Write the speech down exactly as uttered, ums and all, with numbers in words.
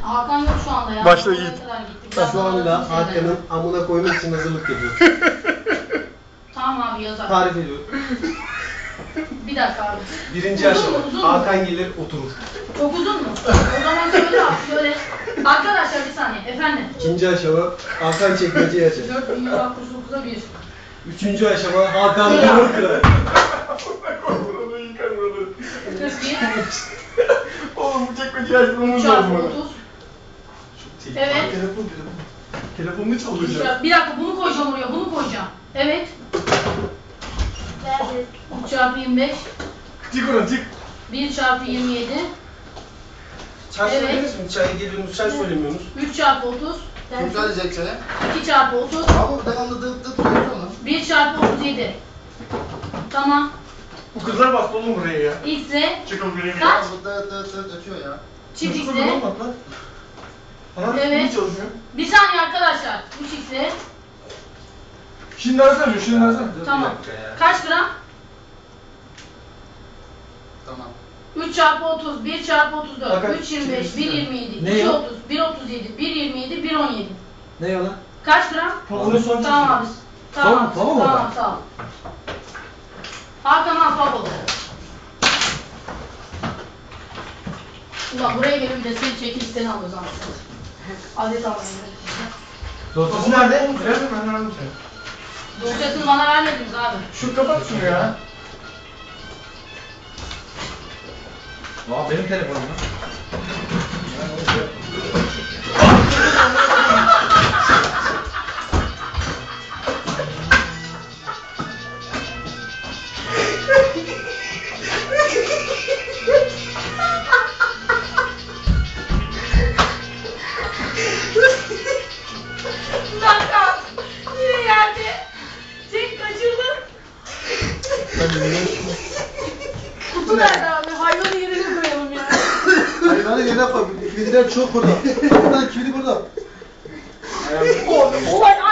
Hakan yok şu anda ya. Başla Yiğit. Şu anda Hakan'ın amına koymak için hazırlık yapıyoruz. Tamam abi yazar. Tarif ediyorum. Bir dakika abi. Birinci Uzun aşama. mu, uzun mu? Hakan gelir oturur. Çok uzun mu? O zaman şöyle abi şöyle. Arkadaşlar bir saniye efendim. İkinci aşama Hakan çekmeceyi açar. dört bin yüz altmış dokuza bir. Üçüncü aşama Hakan dumur kırar. Onu yıkar onu. kırk bir. Oğlum bu çekmeceyi açmamız üç çarpı lazım. otuz. Evet. Telefon telefon. Telefonunu çalacağım. Bir dakika bunu koyacağım oraya, bunu koyacağım. Evet. üç çarpı yirmi beş. Çık oradan çık. bir çarpı yirmi yedi. Çay Evet. söyleriz mi? Çay geliyorsunuz, çay söylemiyorsunuz. üç çarpı otuz. Kim söyleyecek çayı? iki çarpı otuz. Abi devamlı dıt dıt duruyor onu. bir çarpı otuz yedi. Tamam. Bu kızlar bastı oğlum buraya ya. X'e Çıkın buraya. kaç? Bu dıt dıt dıt ötüyor ya. Çift Nasıl X'e. kızlar bak lan? Ha? Evet. Niye çalışmıyor? Bir saniye arkadaşlar. üç X'e. Şimdi arasana diyor, şimdi arasana. Tamam. Kaç gram? Tamam. üç çarpı otuz, bir çarpı otuz dört, Bakın, üç yirmi beş, bir yirmi yedi, Ne iki ya? otuz, bir otuz yedi, bir yirmi yedi, bir on yedi. Ne yalan? Kaç gram? Onu son Tamam abi. Tamam, Tamam, tamam tamam, orada. sağ ol. Hakan al baba. Ulan buraya gelip bir de seni çekip seni alıyoruz aslında. Adet almayın. Dosyası nerede? Nerede ben verdim seni. Dosyasını bana vermediniz abi. Şu kapat şunu ya. Aa benim telefonum lan. Hakan yine yerde. Çek kaçırdın. Kutu nerede abi? Hayvanı yerine koyalım ya. Hayvanı yerine koy. Kilidiler çok burada. Buradan kilidi burada. Olay